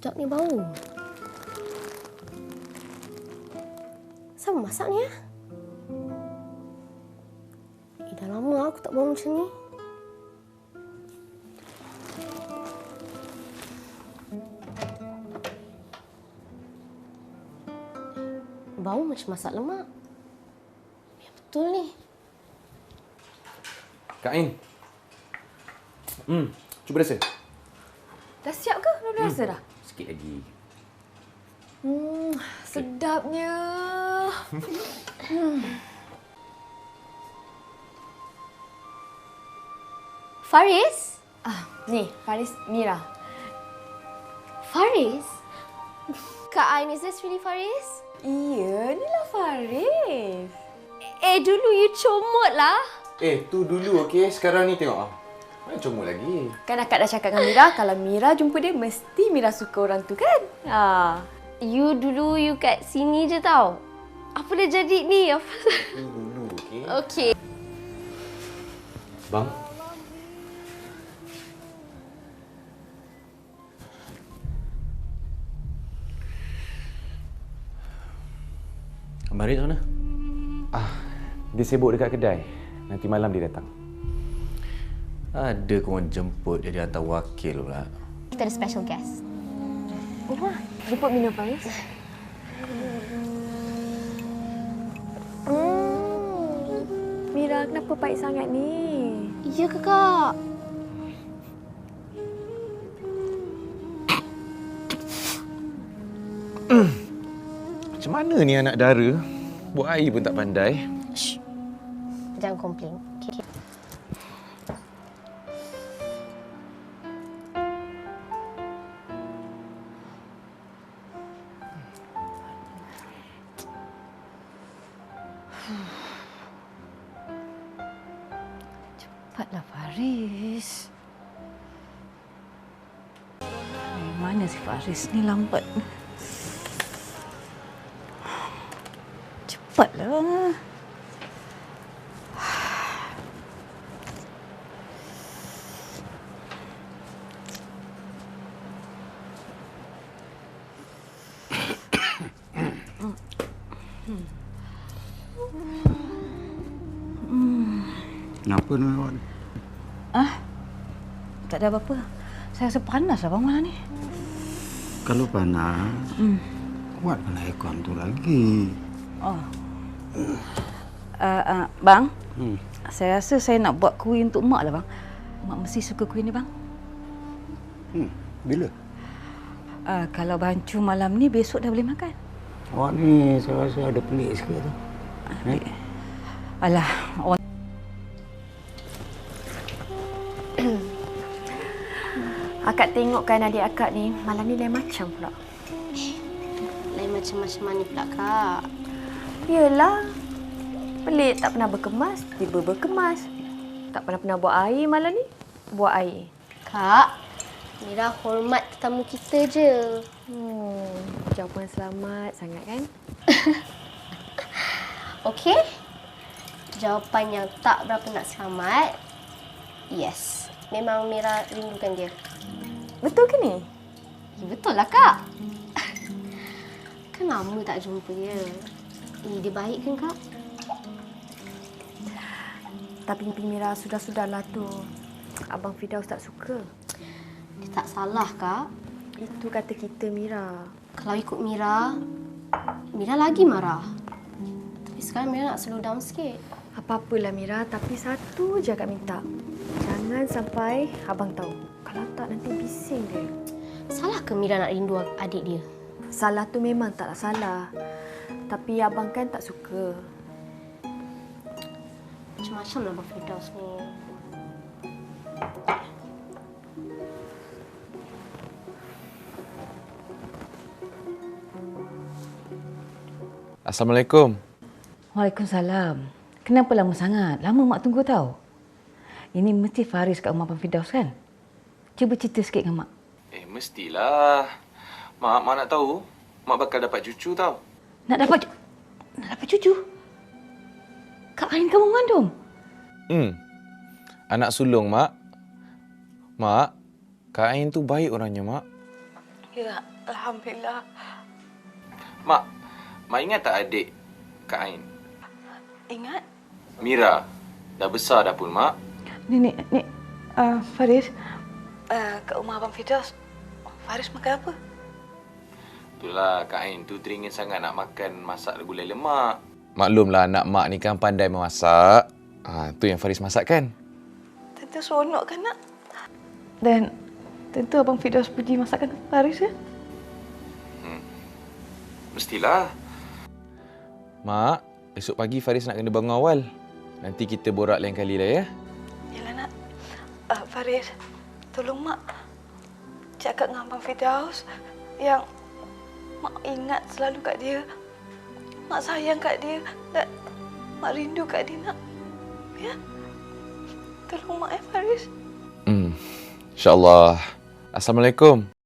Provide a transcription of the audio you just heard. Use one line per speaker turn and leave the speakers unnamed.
Sedap ni bau. Siapa masak ni? Dah lama aku tak bau macam ni. Bau macam masak lemak. Ya, betul ni.
Kak Ain. Cuba rasa.
Dah siap ke? Dah rasa dah?
Sikit lagi.
Sedapnya.
Faris?
Ni, Faris, Mira.
Faris? Kak Ain, is this really Faris?
Iya, ni lah Faris.
Dulu you comot lah.
Tu dulu okey. Sekarang ni tengok. Mana comot lagi?
Kan akak dah cakap dengan Mira, kalau Mira jumpa dia, mesti Mira suka orang tu kan?
You dulu you kat sini je tau. Apa dah jadi ni? Apa?
Tu dulu okey.
Okey.
Bang. Abang Haris mana? Dia sibuk dekat kedai. Nanti malam dia datang.
Ada korang jemput dia hantar wakil pula.
Kita ada special guest.
Jemput Mina Faris. Mira, kenapa baik sangat ni?
Ya kakak.
Macam mana ni anak dara? Buat air pun tak pandai.
Shh. Jangan komplain. Okay.
Cepatlah Faris. Mana si Faris ni lambat. Cepatlah.
Kenapa ni awak ni?
Tak ada apa-apa. Saya rasa panas lah bang malam ni.
Kalau panas, buatkan aircon tu lagi.
Bang, saya rasa saya nak buat kuih untuk mak lah bang. Mak mesti suka kuih ni bang.
Bila?
Kalau bancu malam ni, besok dah boleh makan.
Awak ni saya rasa ada pelik sikit tu.
Alah, orang akak tengok kan adik akak ni, malam ni lain macam pula.
Lain macam-macam mana pula kak?
Yelah, pelik tak pernah berkemas, tiba berkemas. Tak pernah buat air malam ni, buat air.
Kak, Mira hormat tetamu kita je.
Jawapan selamat sangat kan?
Okey? Jawapan yang tak berapa nak selamat. Yes. Memang Mira rindukan dia.
Betul ke ni?
Ya, betul lah kak. Kan lama tak jumpa dia. Dia baik kan kak?
Tapi Mira sudah-sudahlah tu. Abang Firdaus tak suka.
Dia tak salah kak.
Itu kata kita Mira.
Kalau ikut Mira, Mira lagi marah. Tapi sekarang Mira nak slow down sikit.
Apa-apalah Mira, tapi satu je akak minta. Jangan sampai abang tahu. Kalau tak nanti bising dia.
Salah ke Mira nak rindu adik dia?
Salah tu memang taklah salah. Tapi abang kan tak suka.
Macam-macam lah Abang Firdaus ni.
Assalamualaikum.
Waalaikumsalam. Kenapa lama sangat? Lama mak tunggu tau. Ini mesti Faris kat rumah Abang Firdaus kan? Cuba cerita sikit dengan mak.
Mestilah. Mak nak tahu. Mak bakal dapat cucu tau.
Nak dapat cucu? Kak Ain kamu mengandung?
Anak sulung, Mak. Mak, Kak Ain tu baik orangnya, Mak.
Ya, Alhamdulillah.
Mak, Mak ingat tak adik Kak Ain?
Ingat?
Mira. Dah besar dah pun, Mak.
Ni, Faris. Kat rumah Abang Firdaus, Faris makan apa?
Itulah, Kak Ain tu teringin sangat nak makan masak gulai lemak. Maklumlah anak Mak ni kan pandai memasak. Tu yang Faris masak kan?
Tentu seronok kan, nak? Dan tentu Abang Firdaus puji masakan Faris, ya?
Mestilah. Mak, esok pagi Faris nak kena bangun awal. Nanti kita borak lain kali lah ya.
Yalah, nak. Faris, tolong Mak cakap dengan Abang Firdaus yang Mak ingat selalu kat dia. Mak sayang kat dia dan Mak rindu kat dia, nak. Ya? Tolong Mak, ya, Faris.
InsyaAllah. Assalamualaikum.